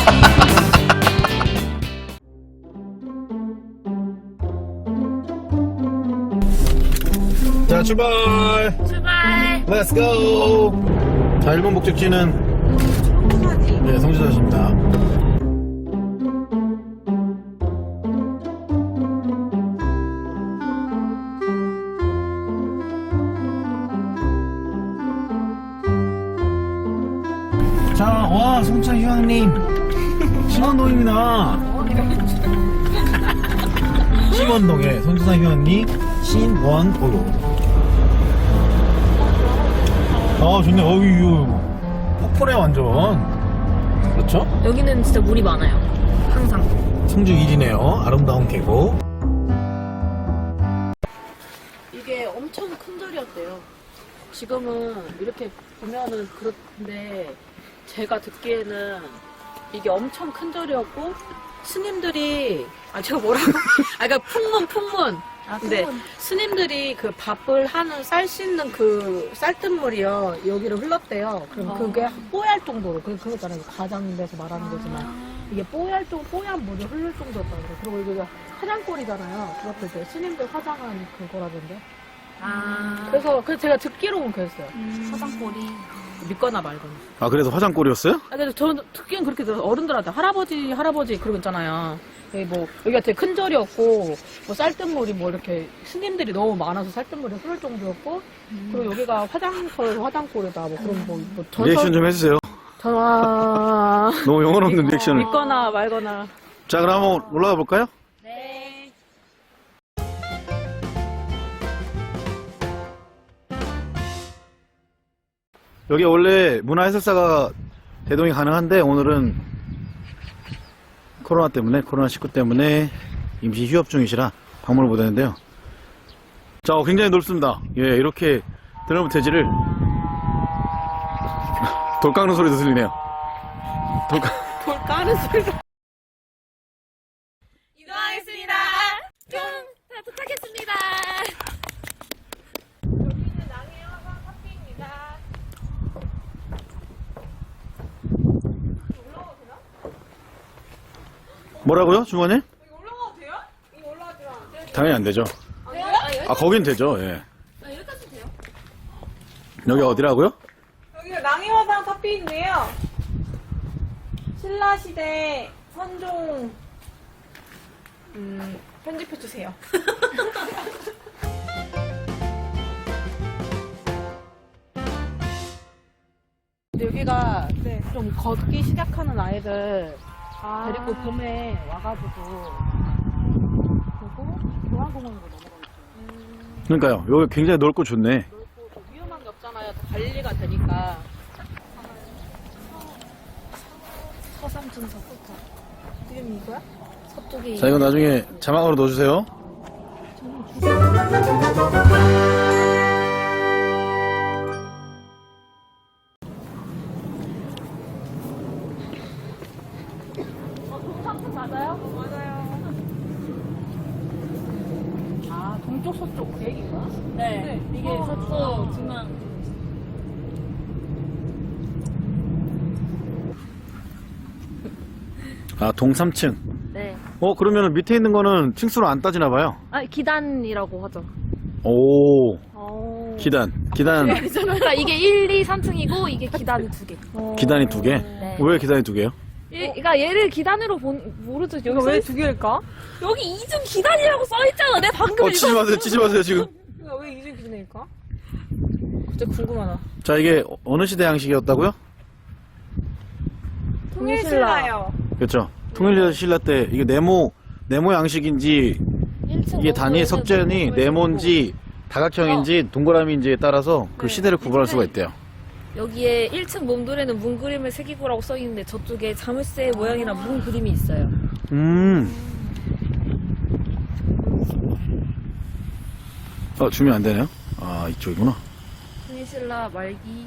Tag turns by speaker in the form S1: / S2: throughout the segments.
S1: 자, 출발! Let's go! 자, 1번 목적지는 네, 성주사시입니다. 자, 와, 송차 휴양림 신원동입니다. 신원동에 송차 휴양림 신원도로. 아, 좋네. 어유, 폭포네 완전. 그렇죠?
S2: 여기는 진짜 물이 많아요. 항상.
S1: 성주 1위네요. 아름다운 계곡.
S2: 이게 엄청 큰 절이었대요. 지금은 이렇게 보면은 그렇는데 제가 듣기에는 이게 엄청 큰 절이었고 스님들이 제가 뭐라고? 그러니까 풍문. 근데 스님들이 그 밥을 하는 쌀 씻는 그 쌀뜨물이요 여기로 흘렀대요. 그럼 그게 뽀얄 정도로 그거 있잖아요. 과장돼서 말하는 거지만 이게 뽀얀 물이 흐를 정도였다는 거예요. 그리고 이게 화장골이잖아요. 그것도 이제 스님들 화장한 그거라던데. 그래서 제가 듣기로는 그랬어요.
S3: 화장골이.
S2: 믿거나 말거나.
S1: 아, 그래서 화장골이었어요?
S2: 근데 저는 듣기엔 그렇게 들어서 어른들한테 할아버지 그러고 있잖아요. 여기가 되게 큰 절이었고, 뭐 쌀뜨물이 뭐 이렇게 스님들이 너무 많아서 쌀뜨물이 흐를 정도였고, 그리고 여기가 화장골이다, 뭐 그런 뭐
S1: 리액션 좀 해주세요. 너무 영혼 없는 리액션을.
S2: 믿거나 말거나.
S1: 자, 그럼 한번 올라가 볼까요?
S2: 네.
S1: 여기 원래 문화해설사가 대동이 가능한데 오늘은 코로나19 때문에 임시 휴업 중이시라 방문을 못했는데요. 자, 굉장히 넓습니다. 예, 이렇게 드럼 대지를 돌 깎는 소리도 들리네요.
S2: 돌 까는 소리가. 이동하겠습니다. 도착했습니다. 여기는 낭해화산 카페입니다. 올라가도 되나?
S1: 뭐라고요, 주머니?
S2: 여기 올라가도 돼요? 이거 올라가지 마.
S1: 당연히 안 되죠.
S2: 돼요?
S1: 아, 거긴 되죠. 예.
S2: 여기까지 돼요?
S1: 여기 어디라고요?
S4: 여기가 낭해화산 카페인데요. 신라시대 선종 편집해주세요.
S2: 근데 여기가 좀 걷기 시작하는 아이들 데리고 봄에 와가지고 그리고 교환공원으로 넘어가겠죠.
S1: 그러니까요. 여기 굉장히 넓고 좋네.
S2: 넓고 위험한 게 없잖아요. 다 관리가 되니까. 서삼층 서부터.
S4: 지금 이거야?
S2: 서쪽이.
S1: 자, 이거 나중에 자막으로 넣어주세요.
S2: 동삼층 맞아요?
S4: 맞아요.
S2: 아, 동쪽 서쪽 그 얘기인가?
S3: 네. 이게 서쪽 중앙.
S1: 아, 동삼층.
S3: 네.
S1: 그러면 밑에 있는 거는 층수로 안 따지나 봐요.
S3: 기단이라고 하죠.
S1: 오,
S2: 오.
S1: 기단.
S3: 그러니까 이게 1, 2, 3층이고 이게 기단이 2개.
S1: 기단이 2개?
S3: 네.
S1: 왜 기단이 2개요?
S3: 그러니까 얘를 기단으로 모르죠. 여기
S4: 이거 왜 2개일까?
S3: 여기 2중 기단이라고 써있잖아. 내가 방금
S1: 치지 마세요, 치지 마세요, 지금.
S4: 이거 왜 2중 기준일까?
S2: 진짜 궁금하다.
S1: 자, 이게 어느 시대 양식이었다고요?
S4: 통일신라요.
S1: 그렇죠. 통일신라 때 이게 네모 양식인지 이게 단위 석전이 네모인지 다각형인지 동그라미인지에 따라서 그 시대를 구분할 수가 있대요.
S3: 여기에 1층 몸돌에는 문 그림을 새기고라고 써있는데 저쪽에 자물쇠 모양이나 문 그림이 있어요.
S1: 주면 안 되네요. 아, 이쪽이구나.
S3: 통일신라 말기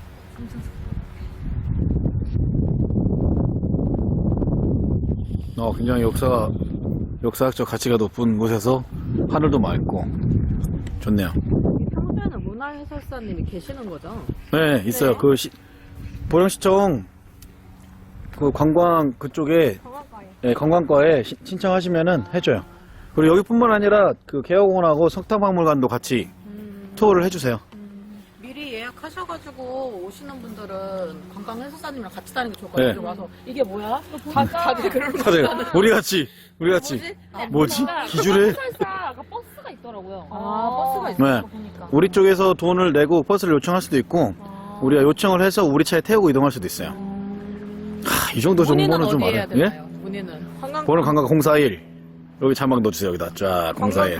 S1: 굉장히 역사학적 가치가 높은 곳에서 하늘도 맑고 좋네요.
S2: 평소에는 문화해설사님이 계시는 거죠?
S1: 네, 있어요.
S2: 네.
S1: 보령시청 그 관광 그쪽에
S4: 관광가에.
S1: 예, 관광과에 신청하시면은 해줘요. 그리고 여기뿐만 아니라 그 개화공원하고 석탑박물관도 같이 투어를 해주세요.
S2: 미리 예약하셔가지고 오시는 분들은 관광 해설사님이랑 같이 다니는 게 좋을 것 같아요.
S1: 네.
S2: 여기 와서 이게 뭐야? 다들 그런 거
S1: 다들 우리 같이 뭐지? 기줄에
S3: 살사 아까 버스가 있더라고요.
S2: 버스가 있어요.
S1: 네. 우리 쪽에서 돈을 내고 버스를 요청할 수도 있고 우리가 요청을 해서 우리 차에 태우고 이동할 수도 있어요. 이 정도
S2: 문의는
S1: 정보는 좀
S2: 어디에 해야
S1: 알아요. 예?
S2: 되나요? 문의는
S4: 관광가.
S1: 번호 관광 041 여기 자막 넣어주세요. 여기다 쫙 041.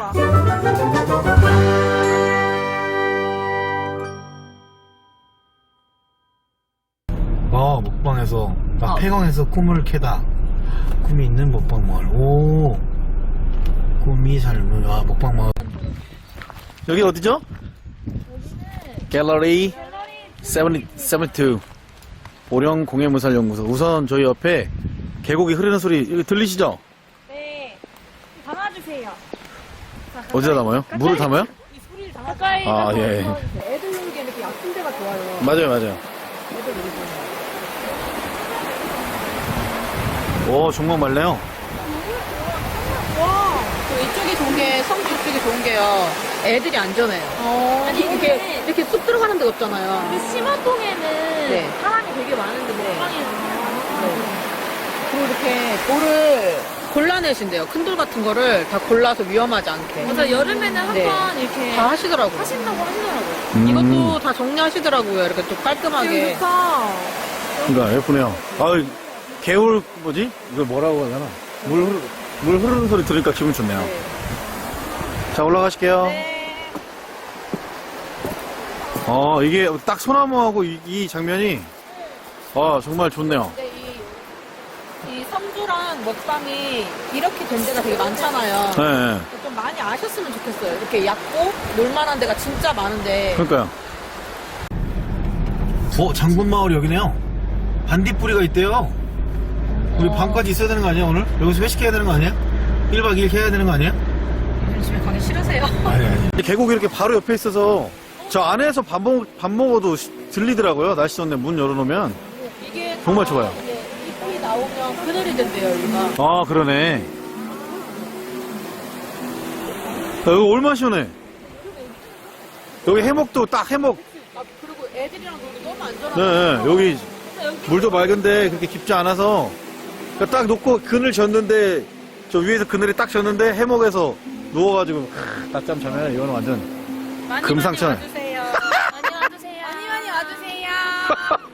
S1: 먹방에서 폐광에서 꿈을 캐다. 꿈이 있는 먹방마을. 오, 꿈이 삶은 먹방마을. 여기 어디죠? 갤러리 72 보령 공예문살연구소. 우선 저희 옆에 계곡이 흐르는 소리 여기 들리시죠?
S4: 네. 담아주세요.
S1: 어디다 담아요? 물을 담아요?
S2: 이 소리를 다
S3: 가까이
S1: 아,
S3: 가서
S1: 예.
S2: 애들 놀기에 이렇게 얕은 데가 좋아요.
S1: 맞아요. 오, 정말 맑네요.
S2: 또 이쪽이 좋은 게 성주 쪽이 좋은 게요. 애들이 안전해요. 아니 이렇게 쑥 들어가는 데가 없잖아요.
S3: 그 심화동에는
S2: 네.
S3: 사람이 되게 많은데 먹방에는
S2: 그리고 이렇게 돌을 골라내신대요. 큰 돌 같은 거를 다 골라서 위험하지 않게.
S3: 맞아 여름에는 한 번
S2: 네.
S3: 이렇게
S2: 다 하시더라고요.
S3: 하신다고 하시더라고요.
S2: 이것도 다 정리하시더라고요. 이렇게 좀 깔끔하게.
S4: 좋다.
S1: 그러니까 예쁘네요. 개울 뭐지? 이걸 뭐라고 하잖아. 물 흐르는 소리 들으니까 기분 좋네요.
S2: 네.
S1: 자, 올라가실게요. 이게 딱 소나무하고 이 장면이 정말 좋네요.
S2: 근데 이 성주랑 먹방이 이렇게 된 데가 되게 많잖아요.
S1: 네.
S2: 좀 많이 아셨으면 좋겠어요. 이렇게 얕고 놀만한 데가 진짜 많은데.
S1: 그러니까요. 장군마을이 여기네요. 반딧불이가 있대요. 우리 밤까지 있어야 되는 거 아니야, 오늘? 여기서 회식해야 되는 거 아니야? 1박 2일 해야 되는 거 아니야?
S2: 집에 가기 싫으세요?
S1: 아니. 계곡이 이렇게 바로 옆에 있어서 저 안에서 밥 먹어도 들리더라고요. 날씨 좋네. 문 열어놓으면.
S2: 이게
S1: 정말
S2: 다
S1: 좋아요.
S2: 이제 잎이 나오면 그늘이 된대요, 여기가.
S1: 그러네. 여기 얼마나 시원해. 여기 해먹도 딱 해먹.
S2: 그리고 애들이랑 놀기 너무 안전하고.
S1: 네, 여기 물도 맑은데 그렇게 깊지 않아서 그러니까 딱 놓고 그늘 졌는데 저 위에서 그늘이 딱 졌는데 해먹에서 누워가지고 낮잠 자면 이거는 완전 금상첨.
S3: 많이 와주세요.
S2: 많이 와주세요.